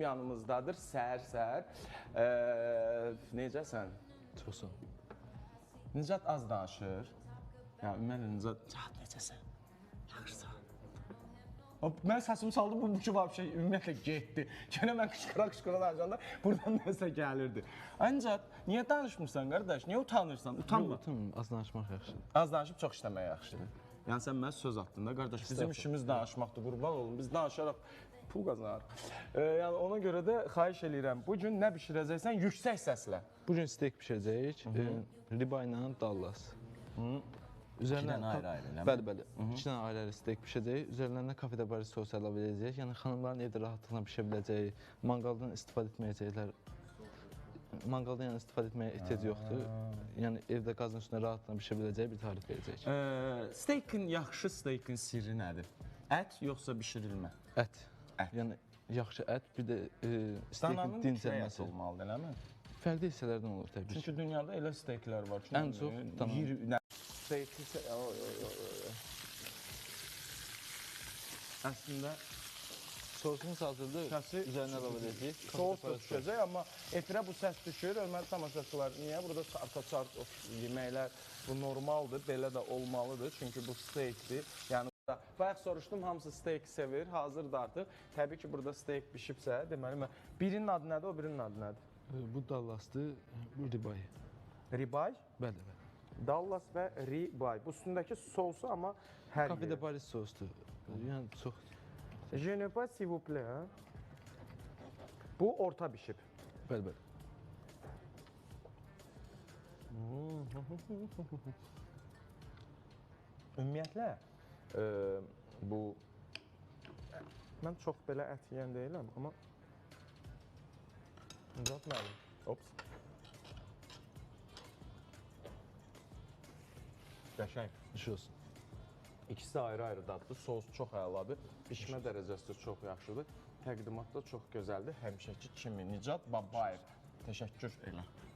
yanımızdadır səhər-səhər. Necəsən? Çoxsun. Nicat az danışır. Yəni, ümumiyyətlə, Nicat necəsən? Yaxşısan. Mən səsimi saldım, bu ki var bir şey ümumiyyətlə getdi. Gənə mən qışqıra danışanda buradan nəsə gəlirdi. Ancaq, niyə danışmırsan qardaş? Niyə utanırsan? Utanma. Az danışmaq yaxşıdır. Az danışıb çox işləmək yaxşıdır. Yəni sən mənə söz atdın da qardaş, bizim işimiz danışmaqdır, qurban olun. Biz danışaraq pul qazanarıq. Yəni ona görə də xahiş eləyirəm. Bu gün nə bişirəcəksən? Yüksək səslə. Bu gün steak bişirəcəyik. Riba ilə Dallas. İki dənə ayrı-ayrı, eləmi? Bəli. 2 dənə ayrı-ayrı steak bişəcəyik. Üzərlərinə kafedə bari sos əlavə edəcəyik. Yəni xanımların evdə rahatlıqla bişə biləcəyi, manqaldan istifadə etməyəcəklər. Manqaldan yəni istifadə etməyə ehtiyac yoxdur. Yəni evdə qazın üstündə rahatlıqla bişə biləcəyi bir tarif verəcəyik. Steikin, yaxşı steikin sirri nədir? Ət yoxsa bişirilmə? Ət. Yəni yaxşı ət, bir də steikin dincəlməsi olmalıdır, eləmi? Fərqli hissələrdən olur təbii ki. Çünki dünyada elə steiklər var ki, ən çox dananın. Əslində sosumuz hazırdır. Üzərinə əlavə edəcəyik. Sos da düşəcək, amma efirə bu səs düşür. Ölməli tamaşaçılar, niyə? Burada arta-çart yeməklər, bu normaldır, belə də olmalıdır. Çünki bu steikdir. Yəni, bayaq soruşdum, hamısı steik sevir, hazırdır artıq. Təbii ki, burada steik bişibsə, deməli, birinin adı nədir, o birinin adı nədir? Bu Dallasdır, bu ribay. Ribay? Bəli. Dallas və ribay. Bu üstündəki sosu amma hər yeri. Kafedə Paris sosdur. Yəni çox... Je ne pas s'il vous plaît. Bu orta bişib. Bəli. Ümumiyyətlə, bu... Mən çox belə ət yeyən deyiləm, amma... Nicat mənim. Ops. Qəşəng. Düş olsun. İkisi ayrı-ayrı daddır. Sos çox əladır. Bişmə dərəcəsi də çox yaxşıdır. Təqdimat da çox gözəldir. Həmişəki kimi Nicat Babayev. Təşəkkür elə.